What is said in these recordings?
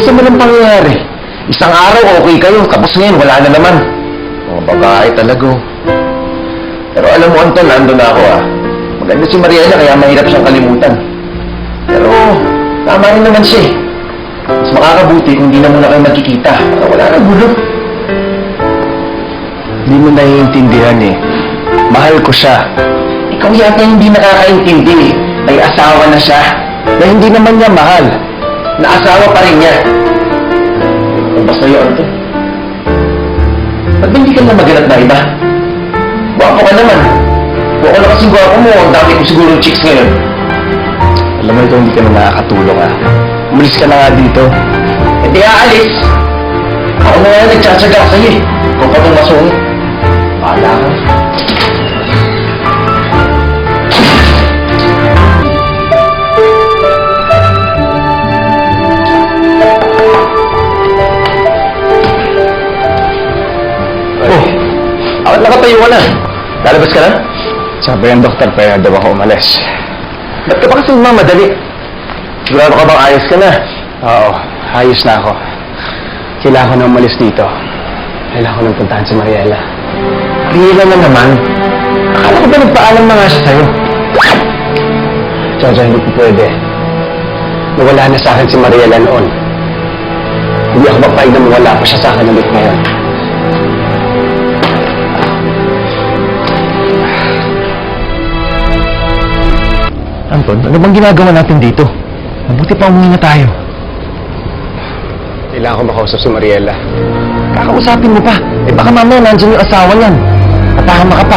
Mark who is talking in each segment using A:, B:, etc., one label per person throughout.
A: bilis naman ang pangyayari. Isang araw okay kayo, tapos ngayon wala na naman. Mga babae talaga. Pero alam mo, Anton, nandun na ako Maganda si Mariela kaya mahirap siyang kalimutan. Pero tama rin naman siya eh. Mas makakabuti kung di na muna kayo magkikita. Para wala na gulo. Hindi mo naiintindihan eh. Mahal ko siya. Ikaw yata hindi nakakaintindi eh. May asawa na siya. Na hindi naman niya mahal. Na asawa pa rin niya. Ano ba sa'yo, Anton? Ba't ba hindi ka na maghanap na iba? Gwapo ka naman. Huwag ka na kasing gwapo mo. Ang dami ko siguro chicks ngayon. Alam mo ito, hindi ka na nakakatulong Umalis ka na nga dito. Hindi aalis. Ako na nga nagtsatsaga sa'yo eh. Ikaw pa itong masungit. Paala ka. Bakit nakatayo ka na? Lalabas ka na? Sabi ng doktor, kaya daw ako umalis. Ba't ka pa kasi mamadali? Sigurado ka bang ayos ka na? Oo, ayos na ako. Kailangan ko na umalis dito. Kailangan ko nang puntahan si Mariela. Mariela na naman? Akala ko ba nagpaalam na nga siya sa'yo? Jojo, hindi ko pwede. Nawala na sa akin si Mariela noon. Hindi ako mapahig na mawala pa siya sa akin ulit ngayon. Anton, ano bang ginagawa natin dito? Mabuti pa umuwi na tayo. Kailangan ko makausap si Mariela. Kakausapin mo pa. Eh baka mamaya nandiyan yung asawa niyan. Patahama ka pa.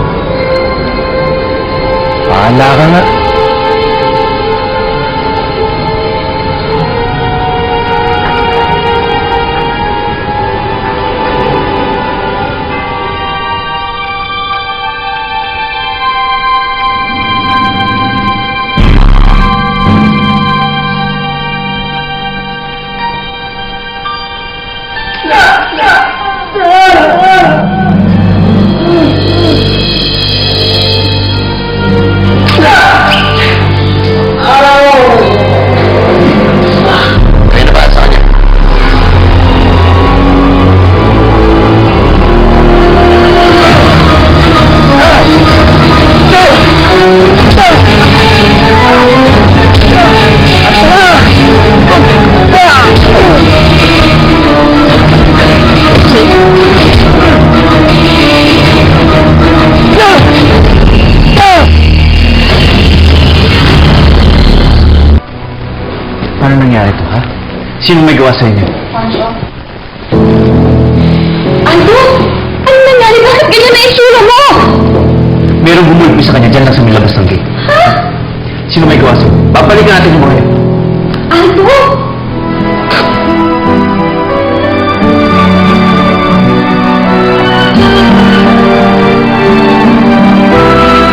A: Pahala ka nga. Paano nangyari ito, ha? Sino may gawa sa inyo?
B: Ano? Ano nangyari? Bakit ganyan na itsura mo?
A: Merong bumulpi sa kanya dyan lang sa may labas ng gate.
B: Ha?
A: Sino may gawa sa inyo? Babalikan natin yung mga yan.